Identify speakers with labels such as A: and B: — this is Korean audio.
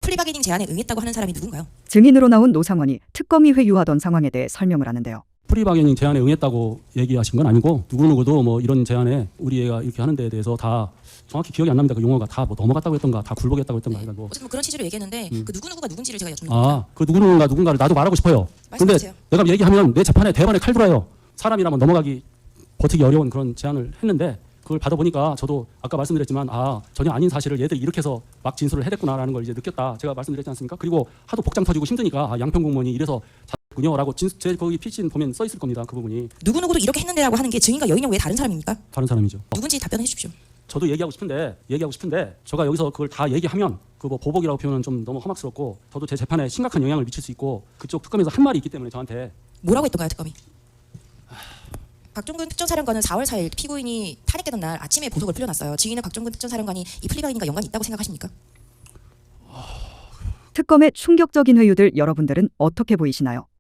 A: 플리바게닝 제안에 응했다고 하는 사람이 누군가요?
B: 증인으로 나온 노상원이 특검이 회유하던 상황에 대해 설명을 하는데요.
C: 프리바게닝 제안에 응했다고 얘기하신 건 아니고 누구누구도 뭐 이런 제안에 우리 애가 이렇게 하는 데에 대해서 다 정확히 기억이 안 납니다. 그 용어가 다 뭐 넘어갔다고 했던가 다 굴복했다고 했던가 해가지고.
A: 어쨌든 뭐 그런 취지로 얘기했는데 그 누구누구가 누군지를 제가 여쭙는
C: 아,
A: 겁니다.
C: 그 누구누군가를 나도 말하고 싶어요. 근데
A: 말씀하세요.
C: 내가 얘기하면 내 재판에 대반에 칼 들어요. 사람이라면 넘어가기 버티기 어려운 그런 제안을 했는데 그걸 받아보니까 저도 아까 말씀드렸지만 아 전혀 아닌 사실을 얘들이 이렇게 해서 막 진술을 해댔구나라는 걸 이제 느꼈다. 제가 말씀드렸지 않습니까? 그리고 하도 복장 터지고 힘드니까 아, 양평 공무원이 이래서 군요라고 제 거기 피신 보면 써 있을 겁니다. 그 부분이.
A: 누구누구도 이렇게 했는데라고 하는 게 증인과 여인형 외에 다른 사람입니까?
C: 다른 사람이죠.
A: 누군지 답변해 주십시오.
C: 저도 얘기하고 싶은데 제가 여기서 그걸 다 얘기하면 그 뭐 보복이라고 표현은 좀 너무 험악스럽고 저도 제 재판에 심각한 영향을 미칠 수 있고 그쪽 특검에서 한 말이 있기 때문에 저한테
A: 뭐라고 했던가요, 특검이? 박종근 특전사령관은 4월 4일 피고인이 탄핵되던 날 아침에 보석을 풀려났어요. 증인은 박종근 특전사령관이 이 플리바게닝과 연관이 있다고 생각하십니까?
B: 특검의 충격적인 회유들 여러분들은 어떻게 보이시나요?